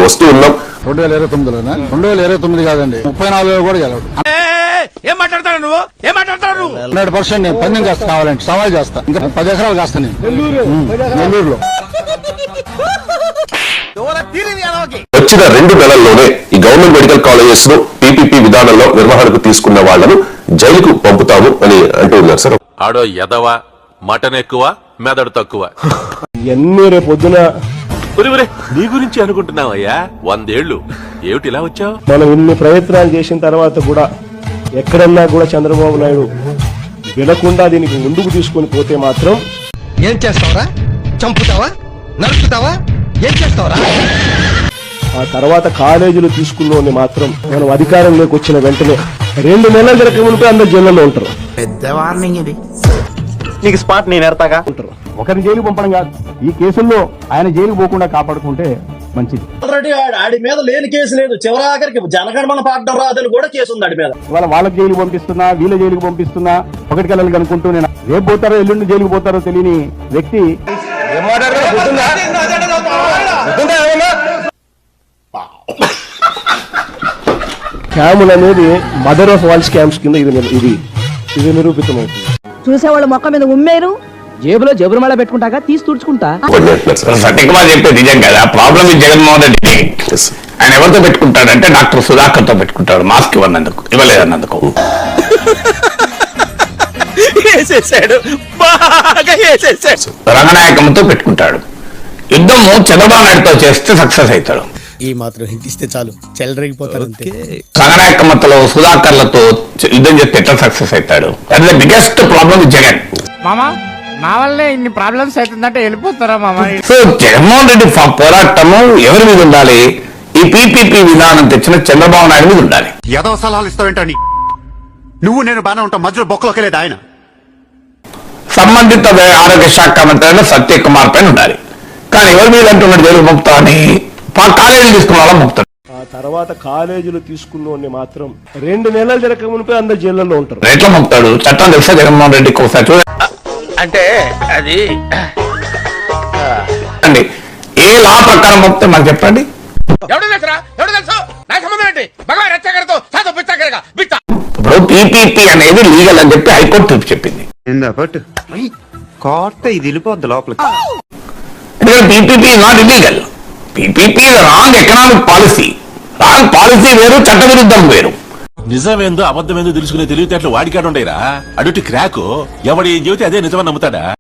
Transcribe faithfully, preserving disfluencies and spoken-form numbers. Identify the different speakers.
Speaker 1: వస్తూ ఉన్నాం.
Speaker 2: రెండు వేల ఇరవై తొమ్మిదిలోనా రెండు వేల ఇరవై తొమ్మిది కాదండి ముప్పై నాలుగులో కూడా గెలవడు.
Speaker 3: ఏం మాట్లాడతాడు నువ్వు ఏం మాట్లాడతాడు
Speaker 2: హండ్రెడ్ పర్సెంట్ నేను పందెం కాస్త కావాలంటే సవాల్ చేస్తా. ఇంకా పది ఎకరాలు కాస్తా నేను నెల్లూరులో.
Speaker 1: వచ్చిన రెండు నెలల్లోనే ఈ గవర్నమెంట్ మెడికల్ కాలేజెస్ ను పీపీపీ విధానంలో నిర్వహణకు తీసుకున్న వాళ్లను జైలుకు పంపుతాము అని అంటూ ఉన్నారు సార్.
Speaker 4: ఆడో ఎదవా మటన్ ఎక్కువ మెదడు తక్కువ.
Speaker 5: ఎన్ని రేపొద్దున
Speaker 4: నీ గురించి అనుకుంటున్నావయ్యా వందేళ్లు ఏమిటి ఇలా వచ్చావు?
Speaker 5: మనం ఇన్ని ప్రయత్నాలు చేసిన తర్వాత కూడా ఎక్కడన్నా కూడా చంద్రబాబు నాయుడు వినకుండా దీనికి ముందుకు తీసుకొని పోతే మాత్రం
Speaker 3: ఏం చేస్తావరా? చంపుతావా? నరుకుతావా? ఏం చేస్తావరా?
Speaker 5: ఆ తర్వాత కాలేజీలు తీసుకున్న మాత్రం మనం అధికారంలోకి వచ్చిన వెంటనే రెండు నెలల జరగక మునిపే అందరు జైల్లో ఉంటారు.
Speaker 3: పెద్ద వార్నింగ్ ఇది.
Speaker 5: నీకు స్పాట్ నేను ఎడతాగా ఉంటారు. ఒకరిని జైలు పంపడం కాదు, ఈ కేసుల్లో ఆయన జైలుకు పోకుండా కాపాడుకుంటే మంచిది.
Speaker 6: ఆల్రెడీ ఆడి మీద లేని కేసు లేదు. చివరాఖరికి జనగణమన పాడడం రాదని కూడా కేసు ఉంది ఆడి మీద.
Speaker 5: ఇవాళ వాళ్ళకి జైలు పంపిస్తున్నా, వీళ్ళ జైలుకు పంపిస్తున్నా, ఒకటికి వెళ్ళాలి అనుకుంటూ నేను రేపు పోతారో ఎల్లుండి జైలుకు పోతారో తెలియని వ్యక్తి స్కాములు అనేది మదర్ ఆఫ్ ఆల్ స్కామ్స్ కింద ఇది ఇది ఇది నిరూపితమవుతుంది.
Speaker 7: చూసేవాళ్ళు మొక్క మీద ఉమ్మేరు, జేబులో జేబులు మళ్ళీ పెట్టుకుంటాగా తీసి తుడుచుకుంటా.
Speaker 8: సత్యకుమార్ చెప్పేది నిజం కదా. ప్రాబ్లం ఈ జగన్మోహన్ రెడ్డి ఆయన ఎవరితో పెట్టుకుంటాడంటే డాక్టర్ సుధాకర్ తో పెట్టుకుంటాడు. మాస్క్ ఇవ్వనందుకు ఇవ్వలేదన్నందుకు రంగనాయకంతో పెట్టుకుంటాడు. యుద్ధము చంద్రబాబు నాయుడుతో చేస్తే సక్సెస్ అవుతాడు.
Speaker 3: ఈ మాత్రం హింటిస్తే చాలు చెలరేగిపోతారు.
Speaker 8: రంగనాయకమ్మతో సుధాకర్లతో యుద్ధం చేస్తే ఎట్లా సక్సెస్ అవుతాడు? That is the biggest problem with Jagan.
Speaker 9: మామా నా వల్లే ఇన్ని ప్రాబ్లమ్స్ అవుతుందంటే వెళ్ళిపోతారా మామా?
Speaker 8: సో జగన్మోహన్ రెడ్డి పోరాటము ఎవరి మీద ఉండాలి? ఈ పీపీపీ విధానం తెచ్చిన చంద్రబాబు నాయుడు మీద ఉండాలి.
Speaker 10: ఏదో సలహాలు ఇస్తావేంటని నువ్వు నేను బాగా ఉంటాం, మధ్యలో బొక్కలోకి లేదు ఆయన.
Speaker 8: సంబంధిత ఆరోగ్య శాఖ మంత్రి సత్యకుమార్ పైన ఉండాలి. కానీ ఎవరి మీద అంటున్నాడు జైలు పంపుతా అని? కాలేజీలు తీసుకున్న వాళ్ళ పంపుతాడు.
Speaker 5: ఆ తర్వాత కాలేజీలు తీసుకున్న మాత్రం రెండు నెలలు జరగక మునిపే అందరు జైల్లో ఉంటారు.
Speaker 8: ఎట్లా పంపుతాడు? చట్టం తెలుసా జగన్మోహన్ రెడ్డికి? ఒకసారి చూడండి.
Speaker 3: అంటే అది
Speaker 8: అండి ఏ లా ప్రకారం పంపితే మాకు చెప్పండి. ఇప్పుడు పీపీపీ అనేది లీగల్ అని చెప్పి హైకోర్టు తీర్పు చెప్పింది.
Speaker 10: ఇది వెళ్ళిపోద్ది లోపలికి.
Speaker 8: ఎందుకంటే PPP not illegal. PPP wrong economic policy. Wrong policy వేరు, చట్టవిరుద్ధం వేరు.
Speaker 4: నిజమేందో అబద్ధమేందో తెలుసుకునే తెలివితేటలు వాడికాడు ఉండేరా? అడుటి క్రాకు ఎవడు ఏం చెబితే అదే నిజమని నమ్ముతాడా?